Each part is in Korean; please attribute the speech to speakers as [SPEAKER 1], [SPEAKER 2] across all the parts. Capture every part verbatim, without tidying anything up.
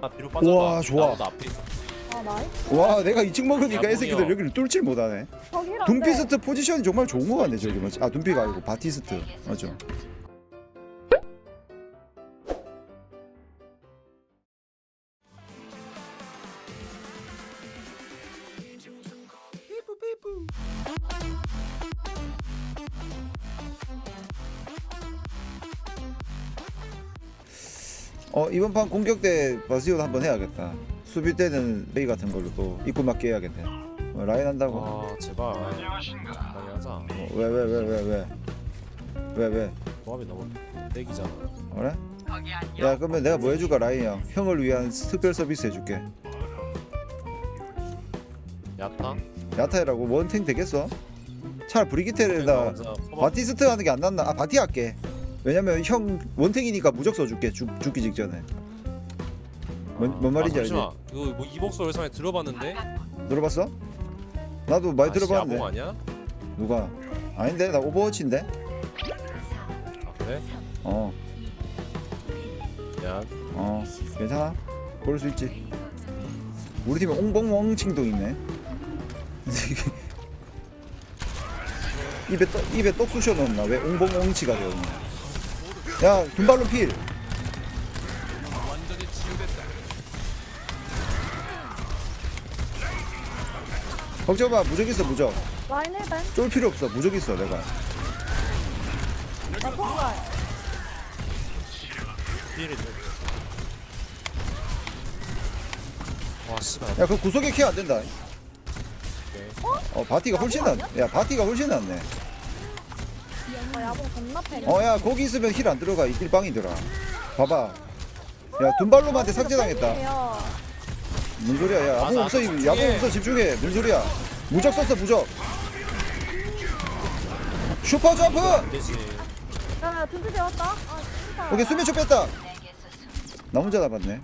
[SPEAKER 1] 아, 뒤로 빠져봐.
[SPEAKER 2] 우와, 좋아.
[SPEAKER 1] 나보다 앞에 있어.
[SPEAKER 3] 아 나이스.
[SPEAKER 2] 와 내가 이 층 먹으니까
[SPEAKER 1] 야,
[SPEAKER 2] 이 새끼들
[SPEAKER 1] 뭐야.
[SPEAKER 2] 여기를 뚫질 못하네.
[SPEAKER 3] 저기 힐 안 돼.
[SPEAKER 2] 둠피스트 포지션이 정말 좋은 거 같네 저기 맞지? 아 둠피가 아니고 바티스트 맞죠? 어 이번 판 공격 때 바시온 한번 해야겠다. 수비 때는 메이 같은 걸로 또 입구 맞게 해야겠네. 어, 라인 한다고?
[SPEAKER 1] 와 제발. 적당히 하자.
[SPEAKER 2] 왜 왜 왜 왜 왜 왜 왜?
[SPEAKER 1] 조합이 너무 떼기잖아.
[SPEAKER 2] 그래? 야 그러면 내가 뭐 해줄까 라인 형? 형을 위한 특별 서비스 해줄게.
[SPEAKER 1] 야타?
[SPEAKER 2] 야타이라고 원탱 되겠어? 차라리 브리기테에다 바티스트 하는 게 안 낫나? 아 바티 할게. 왜냐면 형 원탱이니까 무적 써줄게 죽, 죽기 직전에. 뭔, 뭔 말인지
[SPEAKER 1] 아,
[SPEAKER 2] 알지?
[SPEAKER 1] 잠시만. 그거 뭐 이복소 열상에 들어봤는데?
[SPEAKER 2] 들어봤어? 나도 많이
[SPEAKER 1] 아,
[SPEAKER 2] 들어봤는데.
[SPEAKER 1] 야봉 아니야?
[SPEAKER 2] 누가? 아닌데 나 오버워치인데?
[SPEAKER 1] 아 그래?
[SPEAKER 2] 어,
[SPEAKER 1] 야
[SPEAKER 2] 어, 괜찮아. 고를 수 있지. 우리 팀에 옹봉웡칭도 있네. 입에 떡 입에 떡 쑤셔 넣었나? 왜 옹봉옹치가 되었냐? 야, 둔발로 필. 걱정 마, 무적 있어 무적.
[SPEAKER 3] 라인 힐벤.
[SPEAKER 2] 쫄 필요 없어, 무적 있어 내가.
[SPEAKER 3] 나 통갈.
[SPEAKER 1] 피해를 줘. 와 씨발.
[SPEAKER 2] 야, 그 구석에 케어 안 된다.
[SPEAKER 1] 오케이.
[SPEAKER 2] 어, 바티가 훨씬 낫. 야, 바티가 훨씬 낫네.
[SPEAKER 3] 아 야봉 겁나 패.
[SPEAKER 2] 어, 야, 거기 있으면 힐 안 들어가. 이길 빵이더라. 봐봐. 야, 둔발로만한테 삭제당했다. 뭔 소리야? 야, 야봉
[SPEAKER 1] 아,
[SPEAKER 2] 없어,
[SPEAKER 1] 나
[SPEAKER 2] 이거.
[SPEAKER 1] 집중해.
[SPEAKER 2] 야봉 없어, 집중해. 뭔 소리야? 무적 썼어, 무적. 슈퍼 점프.
[SPEAKER 1] 안 되지.
[SPEAKER 3] 야 둠피 되었다. 아 진짜.
[SPEAKER 2] 오케이, 수면초 뺐다. 나 혼자 남았네.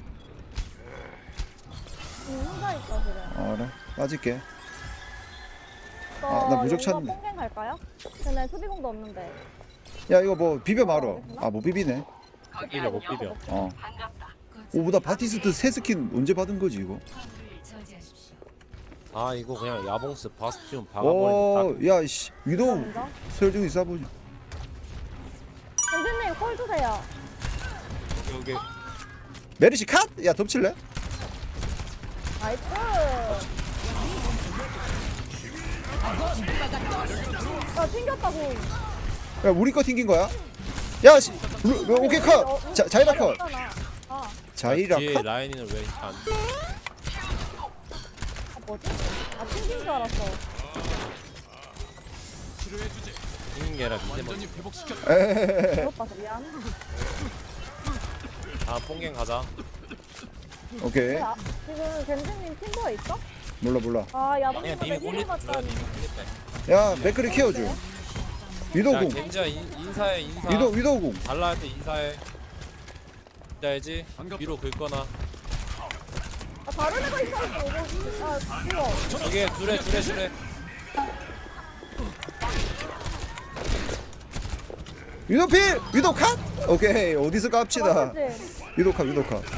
[SPEAKER 3] 응, 혼자 있어 그래.
[SPEAKER 2] 아, 그래. 빠질게.
[SPEAKER 3] 저
[SPEAKER 2] 아, 나 무적
[SPEAKER 3] 용거
[SPEAKER 2] 찾는데.
[SPEAKER 3] 뽕갱 갈까요? 근데 수비공도 없는데.
[SPEAKER 2] 야, 이거 뭐 비벼 말어. 아, 못 비비네.
[SPEAKER 1] 못 비벼 못 비벼.
[SPEAKER 2] 어. 오, 나 바티스트 새 스킨 언제 받은 거지 이거?
[SPEAKER 1] 아 이거 그냥 야봉스 바스티온
[SPEAKER 2] 오,
[SPEAKER 1] 박아버리는
[SPEAKER 2] 야, 씨, 위도우
[SPEAKER 3] 먼저.
[SPEAKER 2] 설중이 싸보지.
[SPEAKER 3] 선생님 콜 주세요.
[SPEAKER 1] 여기
[SPEAKER 2] 메르시 컷! 야, 덮칠래?
[SPEAKER 3] 나이스. 야 튕겼다고.
[SPEAKER 2] 야, 우리 거 튕긴 거야? 야, 씨, 루, 루, 오케이 컷. 자, 자이라 컷.
[SPEAKER 3] 아,
[SPEAKER 2] 자이라
[SPEAKER 1] 뒤에
[SPEAKER 2] 컷.
[SPEAKER 1] 라인을 왜 안?
[SPEAKER 3] 아 뭐지? 아 튕긴 줄 알았어.
[SPEAKER 1] 튕긴 게 아니라 밑에 먼저.
[SPEAKER 2] 에헤헤헤.
[SPEAKER 3] 잘못 봐서 미안.
[SPEAKER 1] 다음 뽕갱 가자.
[SPEAKER 2] 오케이.
[SPEAKER 3] 야, 지금 겐지님 팀버에 있어?
[SPEAKER 2] 몰라 몰라.
[SPEAKER 3] 아
[SPEAKER 1] 그냥
[SPEAKER 3] 야봉님한테
[SPEAKER 1] 님이
[SPEAKER 3] 힐을
[SPEAKER 1] 꼴리 줘야
[SPEAKER 3] 맞다니.
[SPEAKER 1] 님이 꼴리
[SPEAKER 2] 야, 맥크리 키워줘.
[SPEAKER 1] 야
[SPEAKER 2] 위도우궁.
[SPEAKER 1] 겐지야 인, 인사해 인사.
[SPEAKER 2] 위도 위도우궁.
[SPEAKER 1] 달라 할 때 인사해. 알지? 위로 긁거나.
[SPEAKER 3] 아 다른 애가 있어. 이거 아 이거.
[SPEAKER 1] 저기 둘에 둘에 둘에.
[SPEAKER 2] 위도 필. 위도 컷. 오케이. 어디서 깝치다.
[SPEAKER 3] 맞지?
[SPEAKER 2] 위도 컷. 위도 컷.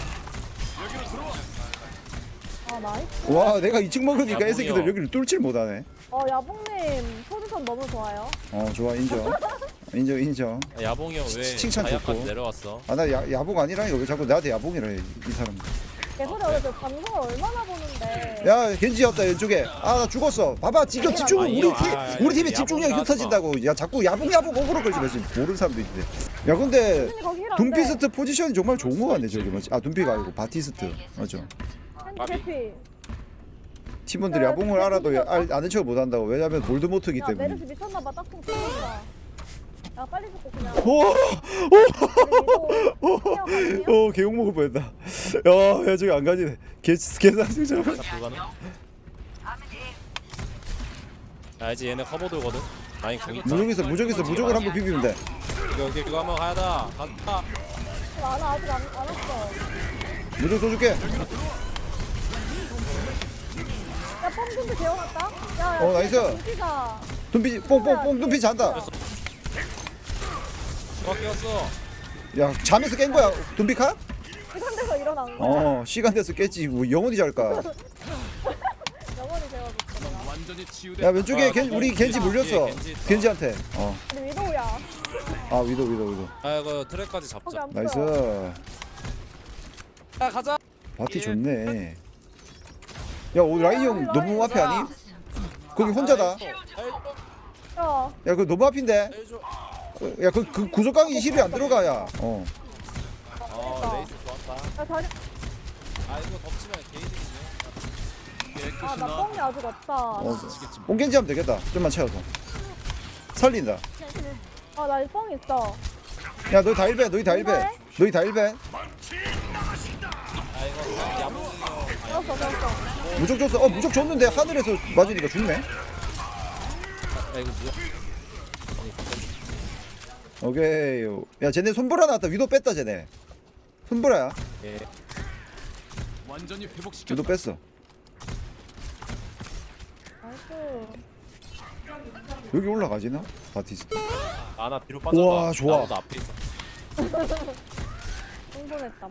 [SPEAKER 3] 아 나이스.
[SPEAKER 2] 와, 내가 이 층 먹으니까 이
[SPEAKER 1] 야봉이요.
[SPEAKER 2] 새끼들 여기를 뚫질 못하네.
[SPEAKER 3] 어 야봉님 포지션 너무 좋아요.
[SPEAKER 2] 어, 좋아 인정. 인정 인정.
[SPEAKER 1] 아, 야봉이 형 왜
[SPEAKER 2] 칭찬
[SPEAKER 1] 다이아까지
[SPEAKER 2] 좋고.
[SPEAKER 1] 내려왔어?
[SPEAKER 2] 아, 나 야, 야봉 아니라니까 왜 자꾸 나한테 야봉이라 해, 이 사람.
[SPEAKER 3] 개소리 어제 방송을 얼마나 보는데.
[SPEAKER 2] 야, 겐지였다 왼쪽에. 아, 나 죽었어. 봐봐, 지금 집중.
[SPEAKER 1] 아,
[SPEAKER 2] 우리
[SPEAKER 1] 이거,
[SPEAKER 2] 팀,
[SPEAKER 1] 아,
[SPEAKER 2] 우리 팀이
[SPEAKER 1] 야봉
[SPEAKER 2] 집중력이
[SPEAKER 1] 나왔어.
[SPEAKER 2] 흩어진다고. 야, 자꾸 야봉 야봉 오그로 걸지 마지. 모르는 사람도 있는데. 야, 근데
[SPEAKER 3] 선생님 거기 힐안 돼.
[SPEAKER 2] 둠피스트 포지션이 정말 좋은 거 같네 저기 뭐지? 아, 둠피가 아니고 바티스트 맞죠?
[SPEAKER 3] 캔디 개피.
[SPEAKER 2] 팀원들이
[SPEAKER 3] 야,
[SPEAKER 2] 야봉을
[SPEAKER 3] 야,
[SPEAKER 2] 알아도
[SPEAKER 3] 야,
[SPEAKER 2] 알, 아는 척을 못 한다고. 왜냐면 볼드모트기
[SPEAKER 3] 야
[SPEAKER 2] 때문에.
[SPEAKER 3] 메르스 미쳤나봐 딱통 튀긴다. 야 빨리 죽고 그냥.
[SPEAKER 2] 오,
[SPEAKER 3] 오.
[SPEAKER 2] 오, 개욕 먹을 뻔했다. 야, 야 저기 안 가지네. 개, 개상승자.
[SPEAKER 1] 자 불가능? 알지 얘네 커버 돌거든. 라인 공 있다.
[SPEAKER 2] 무적 있어, 무적 있어, 무적을 한번 비비면 돼.
[SPEAKER 1] 이거 이거 이거 한번 가야다. 간다.
[SPEAKER 3] 나 아직 안, 안 왔어.
[SPEAKER 2] 무적 쏘줄게.
[SPEAKER 3] 야 뽕dum도 재워놨다. 야, 야
[SPEAKER 2] 어, 나이스.
[SPEAKER 3] dum피가.
[SPEAKER 2] 둠피, 뽕뽕뽕 둠피 잔다.
[SPEAKER 1] 누가 깨웠어?
[SPEAKER 2] 야, 잠에서 깬 거야. 둠피 카?
[SPEAKER 3] 이런 데서 일어난 거야.
[SPEAKER 2] 어 시간 돼서 깼지 뭐 영원히 잘까.
[SPEAKER 3] 영원히 제가 못하더라.
[SPEAKER 4] 완전히 치유돼.
[SPEAKER 2] 야 왼쪽에
[SPEAKER 1] 아,
[SPEAKER 2] 겐, 우리 겐지 물렸어.
[SPEAKER 1] 뒤에 겐지 있어.
[SPEAKER 2] 겐지한테. 어.
[SPEAKER 3] 근데 위도우야.
[SPEAKER 2] 아 위도 위도 위도.
[SPEAKER 1] 아 이거 트랙까지
[SPEAKER 3] 거기
[SPEAKER 1] 잡자.
[SPEAKER 3] 안 보여.
[SPEAKER 2] 나이스.
[SPEAKER 1] 야 가자.
[SPEAKER 2] 바티
[SPEAKER 1] 예.
[SPEAKER 2] 좋네. 야 오늘 라인 형 너무 앞에 아니? 거기 혼자다.
[SPEAKER 3] 야,
[SPEAKER 2] 야 그거 너무 앞인데.
[SPEAKER 1] 해줘.
[SPEAKER 2] 야 그 그 구석강이 이십이 안 들어가야. 어.
[SPEAKER 1] 어 레이스 좋았다.
[SPEAKER 3] 야 다리.
[SPEAKER 1] 아 이거 덮치면 게이득이네.
[SPEAKER 4] 깨끗이
[SPEAKER 3] 아, 나
[SPEAKER 4] 나.
[SPEAKER 3] 뻥이 아직 없다.
[SPEAKER 2] 어. 뽕겐지 하면 되겠다. 좀만 채워서. 살린다.
[SPEAKER 3] 아, 나 뻥 있어.
[SPEAKER 2] 야 너희 다 일배. 너희 다 일배. 너희 다 일배.
[SPEAKER 1] 아 이거 그냥 야무지게.
[SPEAKER 3] 알았어, 알았어.
[SPEAKER 2] 무적 줬어. 어 무적 줬는데 하늘에서 맞으니까 죽네.
[SPEAKER 1] 야 이거 뭐야?
[SPEAKER 2] 오케이. 야 쟤네 손보라 나왔다. 위도 뺐다 쟤네. 손보라야.
[SPEAKER 1] 예.
[SPEAKER 4] 완전히 회복시켜.
[SPEAKER 2] 위도 뺐어.
[SPEAKER 3] 나이스.
[SPEAKER 2] 여기 올라가지나? 바티스.
[SPEAKER 1] 아나 뒤로 빠져봐.
[SPEAKER 2] 우와, 좋아.
[SPEAKER 1] 나보다 앞에 있어.
[SPEAKER 3] 흥분했다.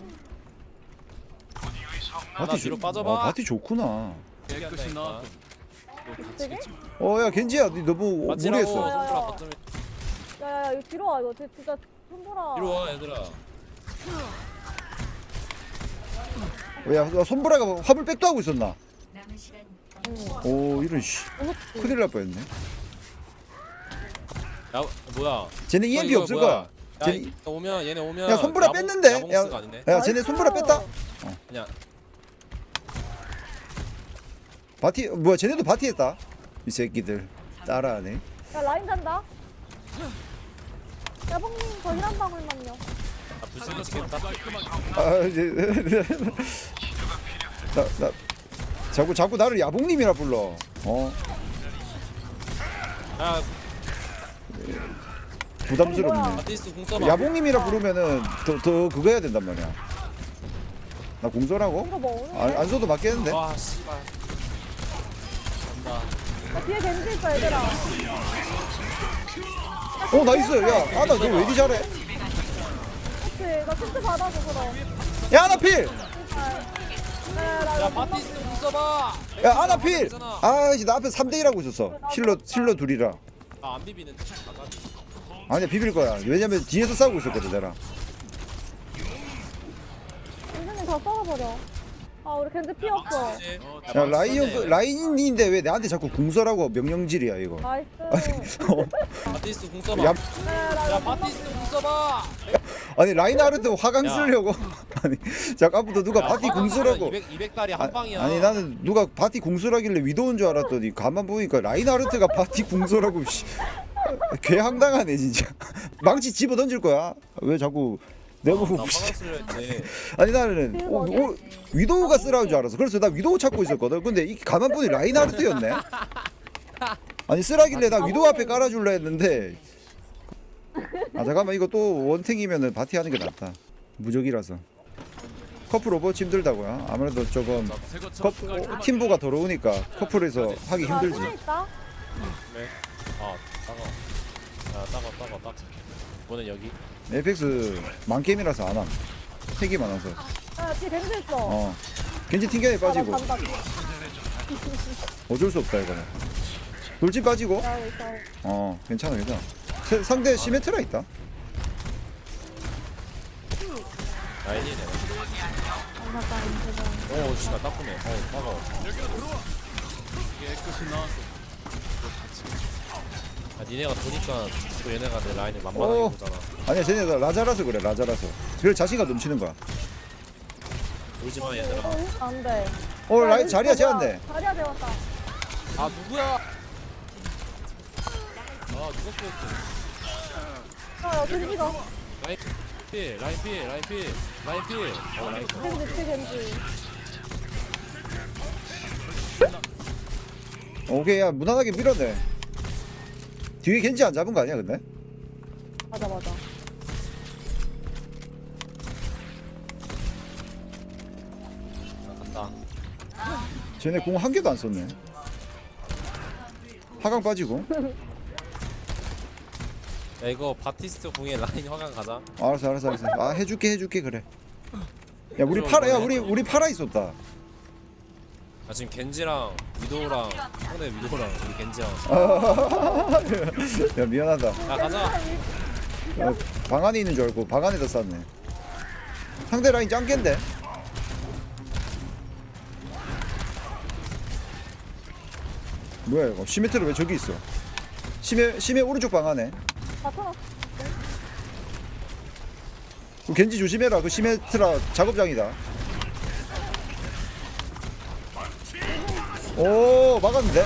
[SPEAKER 1] 아나
[SPEAKER 2] 바티
[SPEAKER 1] 뒤로
[SPEAKER 2] 좋-
[SPEAKER 1] 빠져봐.
[SPEAKER 2] 아, 바티 좋구나.
[SPEAKER 4] 깨끗이 나.
[SPEAKER 3] 되게?
[SPEAKER 2] 어 야 겐지야 니 너무
[SPEAKER 1] 맞지라고.
[SPEAKER 2] 무리했어.
[SPEAKER 1] 손가락 거점에.
[SPEAKER 3] 야, 야, 야, 이거 뒤로 와. 이거 진짜- 진짜 손보라.
[SPEAKER 1] 뒤로 와 얘들아.
[SPEAKER 2] 야 손보라가 화물 백도 하고 있었나?
[SPEAKER 3] 응.
[SPEAKER 2] 오 이런 씨
[SPEAKER 3] 무섭지?
[SPEAKER 2] 큰일 날 뻔했네.
[SPEAKER 1] 야 뭐야?
[SPEAKER 2] 쟤네 이엠피
[SPEAKER 1] 이거
[SPEAKER 2] 없을
[SPEAKER 1] 뭐야?
[SPEAKER 2] 거야.
[SPEAKER 1] 야
[SPEAKER 2] 쟤네
[SPEAKER 1] 이- 오면 얘네 오면.
[SPEAKER 2] 야 손보라
[SPEAKER 1] 야봉-
[SPEAKER 2] 뺐는데.
[SPEAKER 1] 야봉스가
[SPEAKER 2] 야,
[SPEAKER 1] 아니네.
[SPEAKER 2] 야 쟤네 손보라 뺐다.
[SPEAKER 1] 그냥
[SPEAKER 2] 바티 뭐야 쟤네도 바티했다. 이 새끼들 따라하네.
[SPEAKER 3] 야, 라인 잔다. 야, 뻥님, 저 힐 한 방울만요.
[SPEAKER 1] 아 불쌍해 죽겠다.
[SPEAKER 2] 아 이제 나나 자꾸 자꾸 나를 야봉님이라 불러. 어
[SPEAKER 1] 야
[SPEAKER 2] 부담스럽네.
[SPEAKER 1] 바티스트 공 써봐.
[SPEAKER 2] 야봉님이라 부르면은 더 더 그거 해야 된단 말이야. 나 공소라고?
[SPEAKER 3] 이거 뭐 오는데?
[SPEAKER 2] 안, 안 써도 맞겠는데?
[SPEAKER 1] 와 씨발. 간다.
[SPEAKER 3] 야, 뒤에 겐지 있어, 얘들아.
[SPEAKER 2] 어 나이스. 야 아나 너 왜 이리 잘해?
[SPEAKER 3] 그치? 나 텐트 받아서 그럼.
[SPEAKER 2] 야 아나 필.
[SPEAKER 3] 야, 야, 나
[SPEAKER 1] 야
[SPEAKER 3] 이거
[SPEAKER 1] 바티스트 공 써봐.
[SPEAKER 2] 야 아나 필. 아이씨 나 앞에 삼 대 일 하고 있었어. 힐러 힐러 둘이라.
[SPEAKER 1] 아안 비비는데.
[SPEAKER 2] 아니야 비빌 거야. 왜냐면 뒤에서 싸우고 있었거든 내가.
[SPEAKER 3] 겐지님 다 썰어버려. 아, 우리 겐지 피었어.
[SPEAKER 2] 야 라인 형 라인인데 왜 나한테 자꾸 궁서라고 명령질이야 이거.
[SPEAKER 3] 나이스.
[SPEAKER 2] 어.
[SPEAKER 1] 바티스트 공 써봐.
[SPEAKER 2] 야,
[SPEAKER 3] 야, 나
[SPEAKER 1] 야
[SPEAKER 3] 이거
[SPEAKER 1] 바티스트 공 써봐.
[SPEAKER 2] 아니 라인하르트 화강
[SPEAKER 1] 야.
[SPEAKER 2] 쓰려고. 아니 잠깐부터 누가 바티 궁서라고.
[SPEAKER 1] 이백 이백 달이 한 방이야.
[SPEAKER 2] 아니 나는 누가 바티 궁서라길래 위도운 줄 알았더니 가만 보니까 라인하르트가 바티 궁서라고. 씨. 개 황당하네 진짜. 망치 집어 던질 거야. 왜 자꾸 내가 보고.
[SPEAKER 1] 나 화강 쓰려 했지.
[SPEAKER 2] 아니 나는 어, 어, 위도우가 쓰라는 줄 알았어. 그래서 나 위도우 찾고 있었거든. 근데 이 가만 보니 라인하르트였네. 아니 쓰라길래 나 위도우 앞에 깔아줄라 했는데. 아 잠깐만 이거 또 원탱이면은 바티 하는 게 낫다. 무적이라서. 커플 오버워치 힘들다고요? 아무래도 조금 커플, 팀보가 더러우니까 커플에서 하기
[SPEAKER 3] 아,
[SPEAKER 2] 힘들지.
[SPEAKER 3] 손에 있다.
[SPEAKER 1] 네. 아 따가. 야 따가 따가 따. 이번엔 여기.
[SPEAKER 2] 에이펙스 만게임이라서 안 함. 택이 많아서.
[SPEAKER 3] 야, 뒤에 겐지 있어.
[SPEAKER 2] 어. 겐지 튕겨내
[SPEAKER 3] 아, 나
[SPEAKER 2] 빠지고.
[SPEAKER 3] 간다.
[SPEAKER 2] 어쩔 수 없다 이거는. 돌진 빠지고.
[SPEAKER 3] 야, 있어.
[SPEAKER 2] 어 괜찮아 괜찮아. 세- 상대 시메트라 있다.
[SPEAKER 1] 라인이네.
[SPEAKER 3] 잠깐,
[SPEAKER 1] 오 씨발 따끔해. 어 따가워.
[SPEAKER 4] 깨끗이 나.
[SPEAKER 1] 아 니네가 도니까 또 얘네가 내 라인을 만만하게
[SPEAKER 2] 오.
[SPEAKER 1] 보잖아.
[SPEAKER 2] 아니야 쟤네 다 라자라서 그래 라자라서. 그래 자신감 넘치는 거야.
[SPEAKER 1] 울지마 얘들아.
[SPEAKER 3] 어, 안 돼.
[SPEAKER 2] 어
[SPEAKER 3] 야,
[SPEAKER 2] 라인
[SPEAKER 3] 여기
[SPEAKER 2] 자리야
[SPEAKER 3] 자리야.
[SPEAKER 2] 재웠네.
[SPEAKER 3] 자리야 재웠다.
[SPEAKER 1] 아 누구야? 아 누가 쏘였어?
[SPEAKER 3] 야, 야, 겐지가.
[SPEAKER 1] 라인 필, 라인 필, 라인 필, 라인 필. 어 라인 필.
[SPEAKER 3] 겐지, 뒤에 겐지.
[SPEAKER 2] 오케이 야 무난하게 밀어내. 뒤에 겐지 안 잡은 거 아니야 근데?
[SPEAKER 3] 맞아, 맞아.
[SPEAKER 1] 간다.
[SPEAKER 2] 쟤네 공 한 개도 안 썼네. 하강 빠지고.
[SPEAKER 1] 야 이거 바티스트 궁에 라인 화강 가자.
[SPEAKER 2] 알았어 알았어 알았어. 아 해줄게 해줄게 그래. 야 우리 파라 야 우리 우리 파라 있었다.
[SPEAKER 1] 아 지금 겐지랑 위도우랑 상대 위도우랑 우리 겐지랑
[SPEAKER 2] 야 미안하다.
[SPEAKER 1] 야 가자.
[SPEAKER 2] 어, 방 안에 있는 줄 알고 방 안에다 쌌네. 상대 라인 짱깬데. 뭐야 이거? 시메트를 왜 저기 있어? 시메 시메 오른쪽 방 안에.
[SPEAKER 3] 나타났어.
[SPEAKER 2] 그 겐지 조심해라. 그 시메트라 작업장이다. 오 막았는데?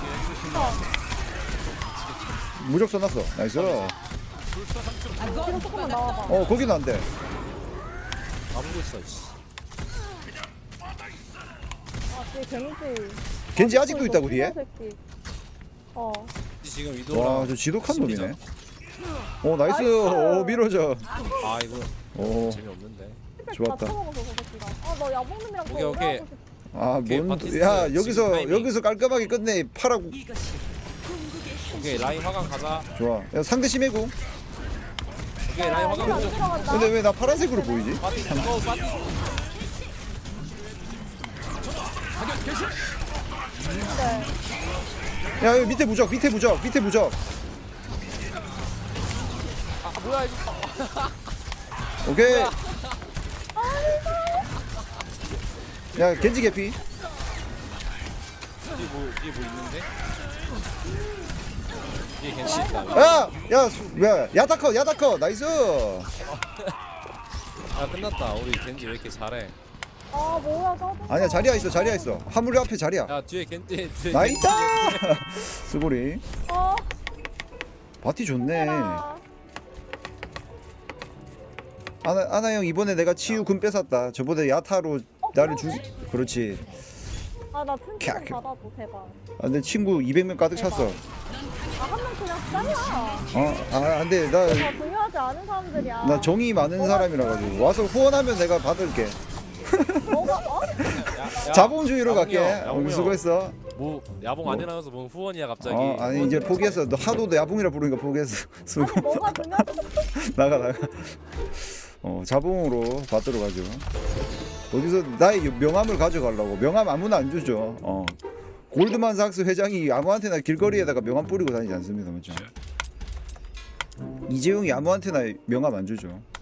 [SPEAKER 2] 무적 써놨어. 나이스.
[SPEAKER 3] 뒤로 조금만 나와봐.
[SPEAKER 2] 어 거기는 안 돼.
[SPEAKER 1] 아무고 있어. 씨.
[SPEAKER 3] 아, 뒤에 겐지.
[SPEAKER 2] 겐지 아직도 있다고 뒤에?
[SPEAKER 3] 새끼. 어.
[SPEAKER 1] 지금 위도우랑.
[SPEAKER 2] 와 저 지독한
[SPEAKER 1] 심리전.
[SPEAKER 2] 놈이네. 오 나이스.
[SPEAKER 3] 나이스.
[SPEAKER 2] 오 밀어줘.
[SPEAKER 1] 아 이거
[SPEAKER 2] 오.
[SPEAKER 1] 재미없는데.
[SPEAKER 2] 좋았다.
[SPEAKER 3] 다 처먹어서 저 새끼가. 아, 너 야봉님이랑
[SPEAKER 1] 오케이, 오케이.
[SPEAKER 2] 아뭔
[SPEAKER 1] 바티스트
[SPEAKER 2] 야
[SPEAKER 1] 지금
[SPEAKER 2] 여기서
[SPEAKER 1] 타이밍.
[SPEAKER 2] 여기서 깔끔하게 끝내. 파라고.
[SPEAKER 1] 오케이 라인 화강 가자.
[SPEAKER 2] 좋아. 야 상대 심해고.
[SPEAKER 1] 오케이 라인 화강
[SPEAKER 3] 안
[SPEAKER 1] 가자.
[SPEAKER 3] 들어간다.
[SPEAKER 2] 근데 왜 나 파란색으로 보이지?
[SPEAKER 1] 빠티 어 빠티.
[SPEAKER 3] 네.
[SPEAKER 2] 야 여기 밑에 무적 밑에 무적 밑에 무적.
[SPEAKER 1] 아 뭐야 이거.
[SPEAKER 2] 오케이. 야 겐지 개피.
[SPEAKER 1] 뒤에 뭐 뒤에 뭐 있는데? 뒤에 겐지 있다.
[SPEAKER 2] 야야 야 야타커 야타커 나이스.
[SPEAKER 1] 아 끝났다. 우리 겐지 왜 이렇게 잘해?
[SPEAKER 3] 아, 뭐야, 짜증나.
[SPEAKER 2] 아니야 자리야 있어 자리야 있어. 화물 앞에 자리야.
[SPEAKER 1] 야 뒤에 겐지 뒤에
[SPEAKER 2] 나이스.
[SPEAKER 1] 겐지.
[SPEAKER 2] 스고리.
[SPEAKER 3] 어,
[SPEAKER 2] 바티 좋네.
[SPEAKER 3] 해라.
[SPEAKER 2] 아나 아나 형 이번에 내가 치유 금 뺏었다. 저번에 야타로 나를 주. 그렇지.
[SPEAKER 3] 아, 나 튼튼
[SPEAKER 2] 캬, 캬.
[SPEAKER 3] 받아줘, 제발.
[SPEAKER 2] 아, 내 친구 이백 명 가득 찼어.
[SPEAKER 3] 아, 한 명 그냥 짱이야.
[SPEAKER 2] 어, 아, 안돼. 나,
[SPEAKER 3] 다 중요하지 않은 사람들이야.
[SPEAKER 2] 나 정이 많은 사람이라 가지고 와서 후원하면 내가 받을게.
[SPEAKER 3] 너가, 어?
[SPEAKER 1] 야, 야,
[SPEAKER 2] 자본주의로
[SPEAKER 1] 야봉이
[SPEAKER 2] 갈게.
[SPEAKER 1] 형,
[SPEAKER 2] 어,
[SPEAKER 1] 야봉이 형.
[SPEAKER 2] 수고했어.
[SPEAKER 1] 뭐 야봉 안 해나가서 뭔 후원이야 갑자기.
[SPEAKER 2] 어, 아니 이제 포기했어. 너 하도 너 야봉이라 부르니까 포기했어. 수고.
[SPEAKER 3] 아니, 뭐가 중요하지?
[SPEAKER 2] 나가 나가. 어, 자봉으로 받도록 하죠. 어디서 나의 명함을 가져가려고. 명함 아무나 안 주죠. 어. 골드만삭스 회장이 아무한테나 길거리에다가 명함 뿌리고 다니지 않습니다, 맞죠? 이재용이 아무한테나 명함 안 주죠.